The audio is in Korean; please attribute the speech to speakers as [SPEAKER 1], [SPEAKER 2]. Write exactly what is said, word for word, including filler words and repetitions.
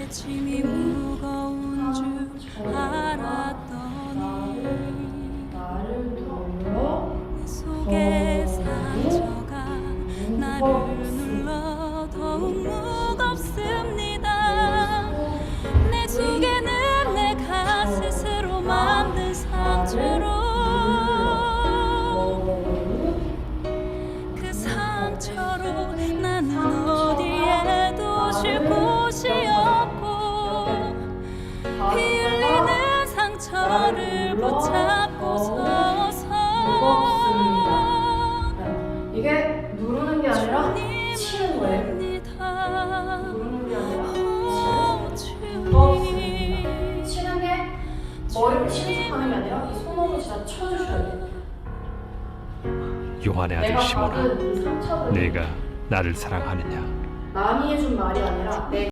[SPEAKER 1] 짐이 무거운 줄 알았더니
[SPEAKER 2] 나를 눌러
[SPEAKER 1] 내 속에 상처가 나를 눌러 더욱 무겁습니다. 내 속에는 내가 스스로 만든 상처로 그 상처로 나는 어디에도 쉴 곳이 없고 피 흘리는 상처를 붙잡고 서서
[SPEAKER 2] 이게 누르는 게 아니라 치는 거예요. 누르는 게 아니라 치는 거. 치는 게 머리를 치는 척하는 게 아니라 이 손으로 진짜 쳐주셔야 돼요.
[SPEAKER 3] 요한의 아들
[SPEAKER 2] 내가
[SPEAKER 3] 시몬아,
[SPEAKER 2] 받은 이 상처를
[SPEAKER 3] 내가 나를 사랑하느냐?
[SPEAKER 2] 남이 해준 말이 아니라 내